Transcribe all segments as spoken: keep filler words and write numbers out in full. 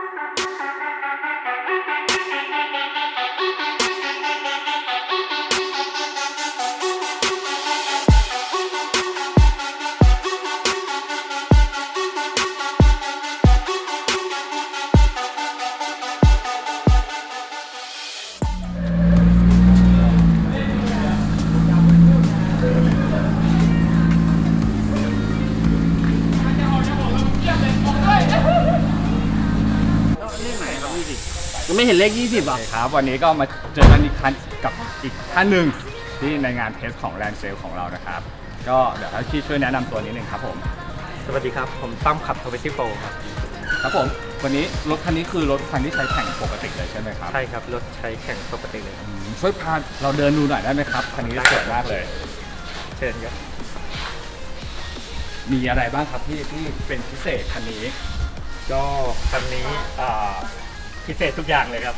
ยังไม่เห็นเลขยี่สิบอ่ะครับวันนี้ก็มาเจอกันอีกครั้งกับอีกท่านหนึ่งที่ในงานเทสของแลนด์เซลของเรานะครับก็เดี๋ยวให้พี่ช่วยแนะนำตัวนิดนึงครับผมสวัสดีครับผมตั้มขับทวิตี้โฟครับครับผมวันนี้รถคันนี้คือรถคันที่ใช้แข่งปกติเลยใช่ไหมครับใช่ครับรถใช้แข่งปกติเลยช่วยพาเราเดินดูหน่อยได้ไหมครับคันนี้สวยมากเลยเชิญครับมีอะไรบ้างครับที่ที่เป็นพิเศษคันนี้ก็คันนี้พิเศษทุกอย่างเลยครับ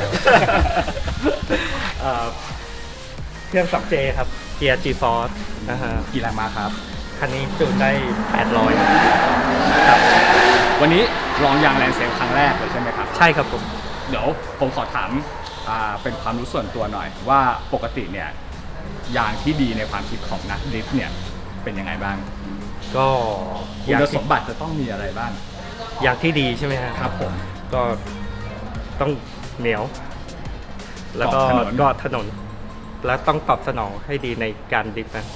เครื่อง สองเจ ครับเกียร์ จี ฟอร์ส นะฮะกี่แรงม้าครับคันนี้จูนได้แปดร้อยครับวันนี้ลองยางแลนด์เซลครั้งแรกเลยใช่ไหมครับใช่ครับผมเดี๋ยวผมขอถามเป็นความรู้ส่วนตัวหน่อยว่าปกติเนี่ยยางที่ดีในความคิดของนักดริฟต์เนี่ยเป็นยังไงบ้างก็คุณสมบัติจะต้องมีอะไรบ้างยางที่ดีใช่ไหมครับผมก็ต้องเหนียวแล้วก็ก็ถนนแล้วต้องตอบสนองให้ดีในการดริฟต์นะ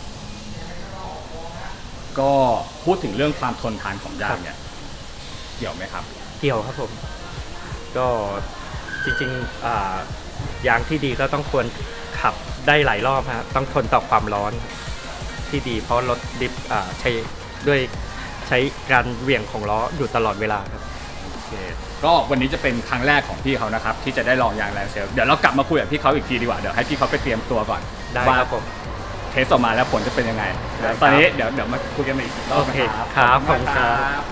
ก็พูดถึงเรื่องความทนทานของยางเนี่ยเกี่ยวไหมครับเกี่ยวครับผมก็จริงๆยางที่ดีก็ต้องควรขับได้หลายรอบฮะต้องทนต่อความร้อนที่ดีเพราะรถดริฟต์ใช้ด้วยใช้การเหวี่ยงของล้ออยู่ตลอดเวลาครับก็วันนี้จะเป็นครั้งแรกของพี่เขานะครับที่จะได้ลองยางแลนด์เซลเดี๋ยวเรากลับมาคุยกับพี่เขาอีกทีดีกว่าเดี๋ยวให้พี่เขาไปเตรียมตัวก่อนได้ครับผมเทสออกมาแล้วผลจะเป็นยังไงตอนนี้เดี๋ยวเดี๋ยวมาคุยกันอีกรอบนะครับครับขอบคุณครับ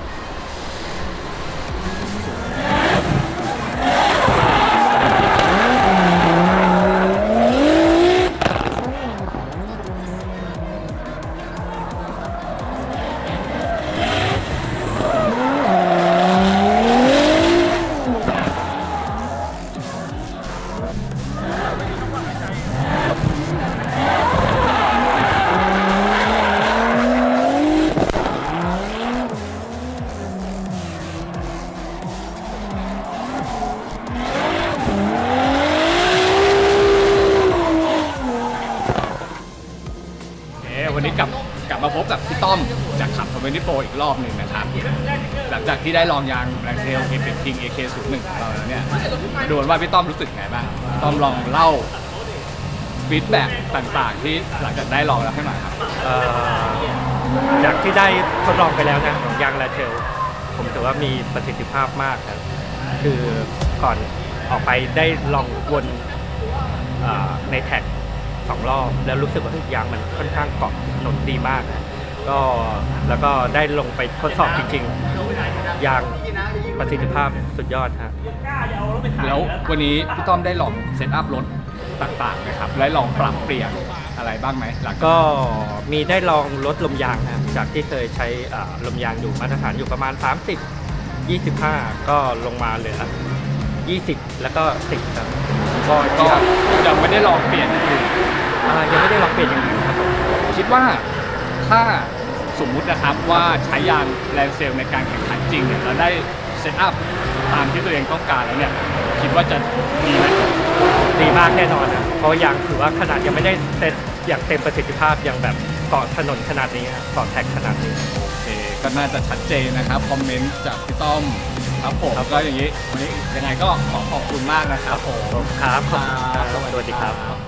วันนี้กลับกลับมาพบกับพี่ต้อมจากขับทวิตี้โฟอีกรอบหนึ่งนะครับหลังจากที่ได้ลองยางแลนด์เซล เอ เอฟ คิง เอ เค ศูนย์หนึ่ง ของเราแล้วเนี่ยดูว่าพี่ต้อมรู้สึกไงบ้างต้อมลองเล่าฟีดแบ็กต่างๆที่หลังจากได้ลองแล้วให้หน่อยครับจากที่ได้ทดลองไปแล้วนะของยางแลนด์เซลผมถือว่ามีประสิทธิภาพมากครับคือก่อนออกไปได้ลองวนในแท็กสองรอบแล้วรู้สึกว่าทุกอย่างมันค่อนข้างเกาะถนนดีมากก็แล้วก็ได้ลงไปทดสอบจริงๆอย่างประสิทธิภาพสุดยอดฮะแล้ววันนี้พี่ต้อมได้ลองเซตอัพรถต่างๆนะครับและลองปรับเปลี่ยนอะไรบ้างไหมหลังก็มีได้ลองลดลมยางนะจากที่เคยใช้ลมยางอยู่มาตรฐานอยู่ประมาณสามสิบ ยี่สิบห้าก็ลงมาเหลือยี่สิบแล้วก็สิบครับก็ยังไม่ได้ลองเปลี่ยนอย่างอื่นยังไม่ได้ลองเปลี่ยนอย่างอื่นครับคิดว่าถ้าสมมุตินะครับว่าใช้ยางแลนด์เซลในการแข่งขันจริงเนี่ยเราได้เซตอัพตามที่ตัวเองต้องการแล้วเนี่ยคิดว่าจะดีไหมดีมากแน่นอนนะเพราะยางถือว่าขนาดยังไม่ได้เซตอย่างเต็มประสิทธิภาพอย่างแบบเกาะถนนขนาดนี้เกาะแท็กขนาดนี้โอเคก็น่าจะชัดเจนนะครับคอมเมนต์จากพี่ต้อมครับผมก็อย่างนี้วันนี้ยังไงก็ขอขอบคุณมากนะครับผมครับสวัสดีครับ